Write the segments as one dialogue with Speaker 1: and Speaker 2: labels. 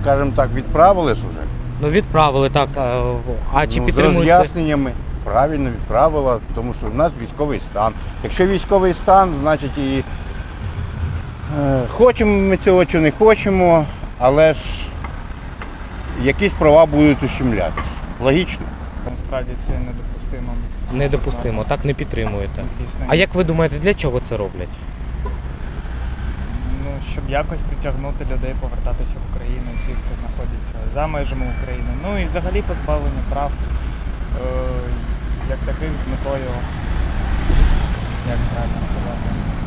Speaker 1: скажімо так, відправили ж уже.
Speaker 2: Ну відправили, так. А чи
Speaker 1: З
Speaker 2: підтримуєте?
Speaker 1: роз'ясненнями. Правильно відправила, тому що в нас військовий стан. Якщо військовий стан, значить і хочемо ми цього чи не хочемо, але ж якісь права будуть ущемлятися. Логічно.
Speaker 3: Насправді це недопустимо.
Speaker 2: Недопустимо, так не підтримуєте.
Speaker 3: Звісно.
Speaker 2: А як ви думаєте, для чого це роблять?
Speaker 3: Ну, щоб якось притягнути людей повертатися в Україну, ті, хто знаходиться за межами України. Ну і взагалі позбавлення прав, як таких з метою, як правильно сказати.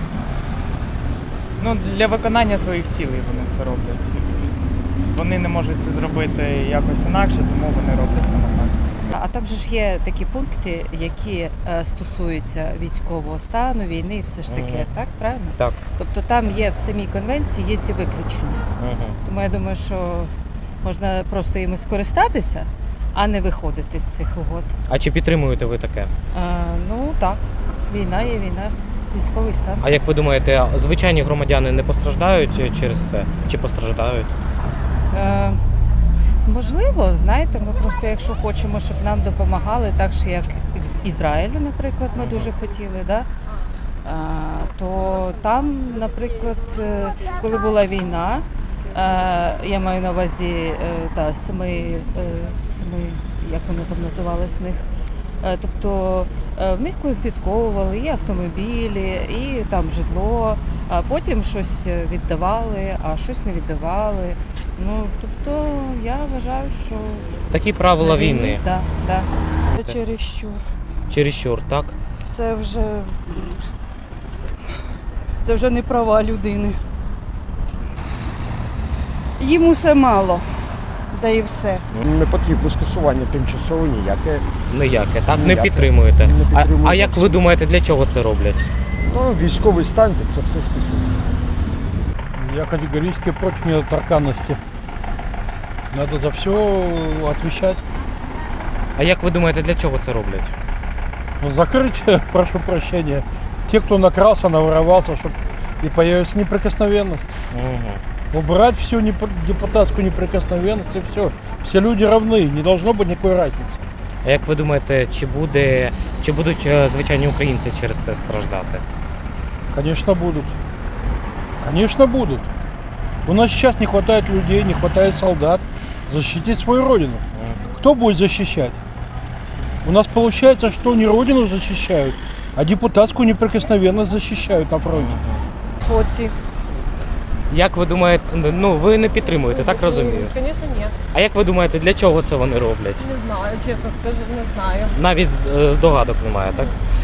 Speaker 3: Ну, для виконання своїх цілей вони це роблять. Вони не можуть це зробити якось інакше, тому вони роблять саме так.
Speaker 4: А там же ж є такі пункти, які стосуються військового стану, війни і все ж таке, так, правильно?
Speaker 2: Так.
Speaker 4: Тобто там є в самій конвенції є ці виключення. Тому я думаю, що можна просто їми скористатися, а не виходити з цих угод.
Speaker 2: А чи підтримуєте ви таке?
Speaker 4: Ну так, війна є війна, військовий стан.
Speaker 2: А як ви думаєте, звичайні громадяни не постраждають через це? Чи постраждають?
Speaker 4: Можливо, знаєте, ми просто якщо хочемо, щоб нам допомагали, так що як з Ізраїлю, наприклад, ми дуже хотіли, да? То там, наприклад, коли була війна, я маю на увазі семи, як вони там називались в них, тобто в них конфісковували і автомобілі, і там житло, а потім щось віддавали, а щось не віддавали. Ну, тобто я вважаю, що
Speaker 2: Такі правила війни.
Speaker 4: Так, так.
Speaker 5: Це чересчур.
Speaker 2: Чересчур, так?
Speaker 5: Це вже не права людини. Їм усе мало, да і все.
Speaker 6: Не потрібно скасування тимчасово ніяке.
Speaker 2: Ніяке, так? Не
Speaker 6: Ніяке.
Speaker 2: підтримуєте.
Speaker 6: Не підтримую
Speaker 2: А як ви
Speaker 6: зовсім.
Speaker 2: думаєте, для чого це роблять?
Speaker 6: Ну, військовий стан під це все списує.
Speaker 7: Я категорически против недоторканности. Надо за все отвечать.
Speaker 2: А як ви думаєте, для чого це роблять?
Speaker 7: Закрыть, прошу прощения, те, кто накрался, наворовался, чтобы и появилась неприкосновенность. Убрать всю депутатскую неприкосновенность и все. Все люди равны, не должно быть никакой разницы.
Speaker 2: А як ви думаєте, чи будуть звичайні українці через це страждати?
Speaker 7: Конечно, будут. Конечно, будут. У нас сейчас не хватает людей, не хватает солдат защитить свою родину. Кто будет защищать? У нас получается, что не родину защищают, а депутатскую неприкосновенность защищают на фронте.
Speaker 5: Шоці.
Speaker 2: Як ви думаєте, ну ви не підтримуєте, так розумію?
Speaker 8: Звісно, ні.
Speaker 2: А як ви думаєте, для чого це вони роблять?
Speaker 8: Не знаю, чесно скажу, не знаю.
Speaker 2: Навіть здогадок немає, так?